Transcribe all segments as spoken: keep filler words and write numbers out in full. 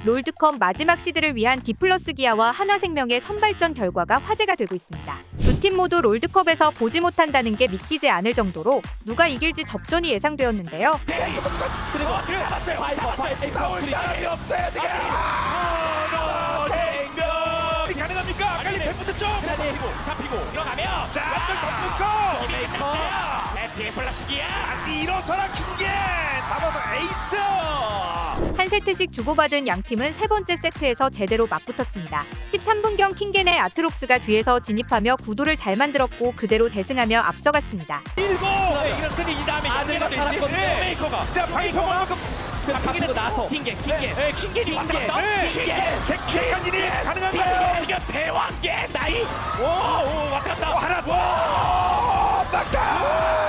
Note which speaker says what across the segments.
Speaker 1: 롤드컵 마지막 시드를 위한 디플러스 기아와 하나생명의 선발전 결과가 화제가 되고 있습니다. 두 팀 모두 롤드컵에서 보지 못한다는 게 믿기지 않을 정도로 누가 이길지 접전이 예상되었는데요.
Speaker 2: 그리고 잡았어요. 파이퍼, 파이퍼,
Speaker 3: 나올 사람이 없어요 지금. 생명 가능합니까? 아칼리 데프트 쪽.
Speaker 2: 그리고 잡히고 들어가면
Speaker 3: 자, 한명 더 붙고.
Speaker 2: 메이커. 디플러스 기아.
Speaker 3: 다시 일어서라 킹게. 잡아서 에이스.
Speaker 1: 한 세트씩 주고받은 양 팀은 세 번째 세트에서 제대로 맞붙었습니다. 십삼 분경 킹겐의 아트록스가 뒤에서 진입하며 구도를 잘 만들었고 그대로 대승하며 앞서갔습니다.
Speaker 3: 일곱.
Speaker 2: 이렇더니 이 다음에
Speaker 3: 아들가
Speaker 2: 연계가
Speaker 3: 살았거든요.
Speaker 2: 되는데 메이커가.
Speaker 3: 자, 파이퍼가
Speaker 2: 잡히고 나서 킹게, 킹게.
Speaker 3: 네, 킹겐이 왔다 갔다.
Speaker 2: 네.
Speaker 3: 킹게. 잭킹이 가능한가요?
Speaker 2: 지금 대왕계 나이.
Speaker 3: 오, 오, 왔다 갔다. 오, 하나. 와! 막다.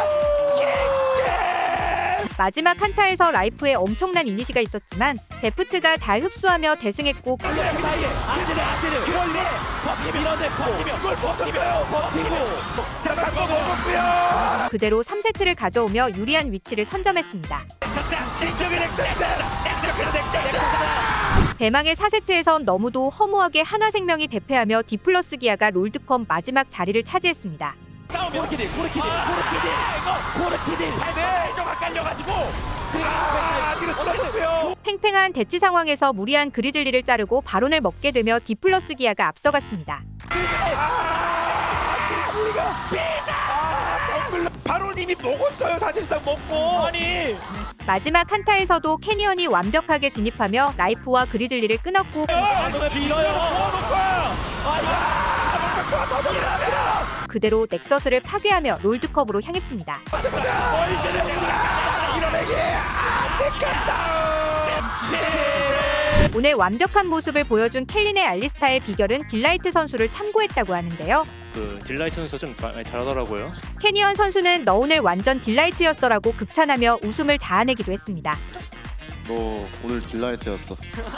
Speaker 1: 마지막 한타에서 라이프에 엄청난 이니시가 있었지만 데프트가 잘 흡수하며 대승했고
Speaker 2: 사이에 아즈르 아즈르.
Speaker 3: 그럴리.
Speaker 2: 버티면 밀어내 버티면
Speaker 3: 이걸 버티면 버티고. 자, 갖고 먹었고요.
Speaker 1: 그대로 삼 세트를 가져오며 유리한 위치를 선점했습니다.
Speaker 3: 진정의 넥센터.
Speaker 1: 대망의 사 세트에선 너무도 허무하게 하나생명이 대패하며 디플러스 기아가 롤드컵 마지막 자리를 차지했습니다.
Speaker 2: 싸우면 고르키딜 고르키딜 고르키딜 고르키딜 팔 좀 헷갈려가지고
Speaker 3: 아, 뒤로 쏠렸고요.
Speaker 1: 팽팽한 대치 상황에서 무리한 그리즐리를 자르고 바론을 먹게 되며 디플러스 기아가 앞서갔습니다.
Speaker 3: 바로님이 먹었어요. 사실상 먹고. 아니.
Speaker 1: 마지막 한타에서도 캐니언이 완벽하게 진입하며 라이프와 그리즐리를 끊었고 그대로 넥서스를 파괴하며 롤드컵으로 향했습니다. 오늘 완벽한 모습을 보여준 켈린의 알리스타의 비결은 딜라이트 선수를 참고했다고 하는데요.
Speaker 4: 그 딜라이트 선수 좀 많이 잘하더라고요.
Speaker 1: 캐니언 선수는 너 오늘 완전 딜라이트였어라고 극찬하며 웃음을 자아내기도 했습니다.
Speaker 5: 너 오늘 딜라이트였어.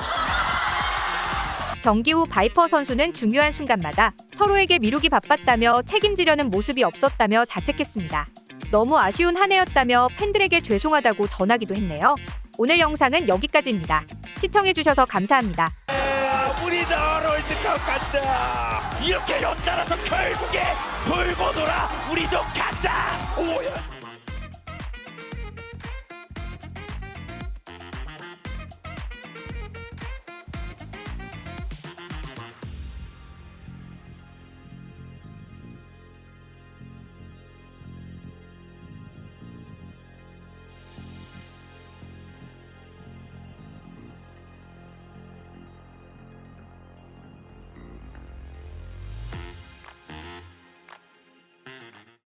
Speaker 1: 경기 후 바이퍼 선수는 중요한 순간마다 서로에게 미루기 바빴다며 책임지려는 모습이 없었다며 자책했습니다. 너무 아쉬운 한 해였다며 팬들에게 죄송하다고 전하기도 했네요. 오늘 영상은 여기까지입니다. 시청해주셔서 감사합니다.
Speaker 3: 우리도 롤드컵 간다. 이렇게 연달아서 결국에 돌고 돌아 우리도 간다. 오야.